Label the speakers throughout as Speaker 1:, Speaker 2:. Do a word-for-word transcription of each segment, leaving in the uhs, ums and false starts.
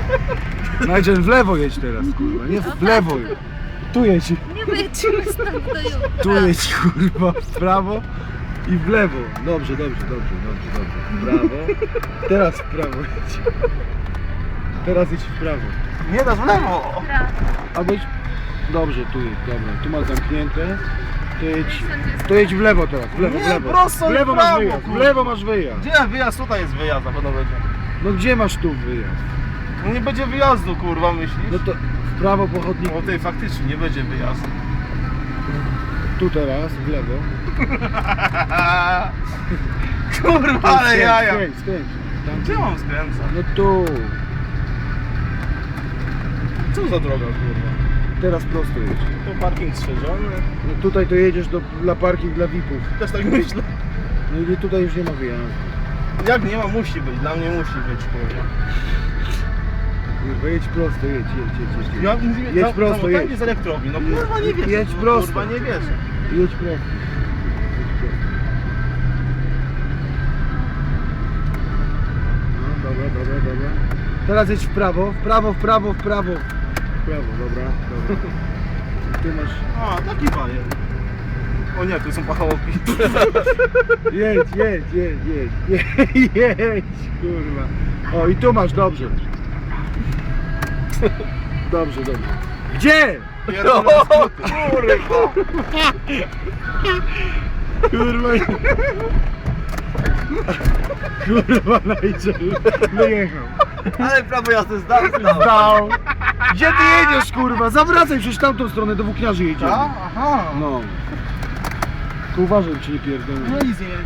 Speaker 1: Nigel, w lewo jedź teraz, kurwa, nie w lewo. Tu jedź,
Speaker 2: Nie wyjedziemy stąd do jutra.
Speaker 1: tu jedź, kurwa, w prawo i w lewo. Dobrze, dobrze, dobrze, dobrze, dobrze. W prawo. Teraz w prawo jedź. Teraz jedź w prawo.
Speaker 3: Nie dasz w lewo!
Speaker 1: Albo jedź... Dobrze, tu jedź, dobra, tu masz zamknięte. To jedź, to jedź w lewo teraz, w lewo, w
Speaker 3: Nie,
Speaker 1: lewo.
Speaker 3: prosto
Speaker 1: w
Speaker 3: i
Speaker 1: lewo
Speaker 3: w
Speaker 1: masz
Speaker 3: prawo,
Speaker 1: wyjazd, w
Speaker 3: kurwa.
Speaker 1: lewo masz wyjazd.
Speaker 3: Gdzie wyjazd? Tutaj jest wyjazd, na pewno będzie.
Speaker 1: No gdzie masz tu wyjazd?
Speaker 3: No nie będzie wyjazdu, kurwa, myślisz?
Speaker 1: No to w prawo po chodniku.
Speaker 3: O tej faktycznie nie będzie wyjazdu.
Speaker 1: Tu teraz, w lewo.
Speaker 3: Kurwa, ale
Speaker 1: Skręć,
Speaker 3: jaja!
Speaker 1: Skręć, skręć. Tam,
Speaker 3: Gdzie mam skręcać?
Speaker 1: no tu.
Speaker 3: Co za droga, kurwa?
Speaker 1: Teraz prosto jedź.
Speaker 3: To parking strzeżony.
Speaker 1: No tutaj to jedziesz do, dla parking dla V I P ów.
Speaker 3: Też tak myślę.
Speaker 1: No i tutaj już nie ma wyjazdu.
Speaker 3: Jak nie ma, musi być. Dla mnie musi być, kurwa.
Speaker 1: Kurwa, jedź prosto, jedź, jedź, jedź, jedź.
Speaker 3: Ja,
Speaker 1: Jedź prosto, jedź.
Speaker 3: jedź. z elektrowni. No kurwa nie wierzę.
Speaker 1: Jedź
Speaker 3: no,
Speaker 1: prosto.
Speaker 3: Kurwa nie wierzę.
Speaker 1: Jedź prosto. Jedź prosto. No dobra, dobra, dobra. Teraz jedź w prawo, w prawo, w prawo, w prawo. W prawo, dobra, dobra. Ty masz...
Speaker 3: A, taki bajer. O nie, tu są pachołki.
Speaker 1: Jedź, jedź, jedź, jedź, jedź, jedź, kurwa. O, i tu masz, dobrze. Dobrze, dobrze. Gdzie?
Speaker 3: Pierdolę skróty. Kurwa.
Speaker 1: Kurwa. Kurwa, Nigel. Wyjechał.
Speaker 3: Ale prawo jazdy zdał.
Speaker 1: Dał. Gdzie ty jedziesz, kurwa? Zawracaj przecież tamtą stronę, do włókniarzy jedziemy.
Speaker 3: Aha.
Speaker 1: No. Tylko uważaj, czy nie pierdolę.
Speaker 3: No i zjedź.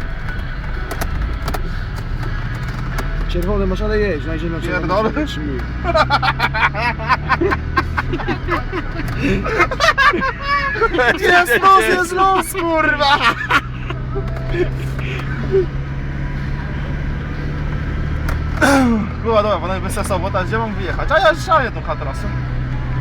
Speaker 1: Czerwone masz, ale jedź, Nigel na czerwone
Speaker 3: Pierdolę.
Speaker 1: się zatrzymuje.
Speaker 3: Jest los, jest los, kurwa! Była dobra, panowie bez sensu, bo teraz gdzie mam wyjechać? A ja szalę tą trasę.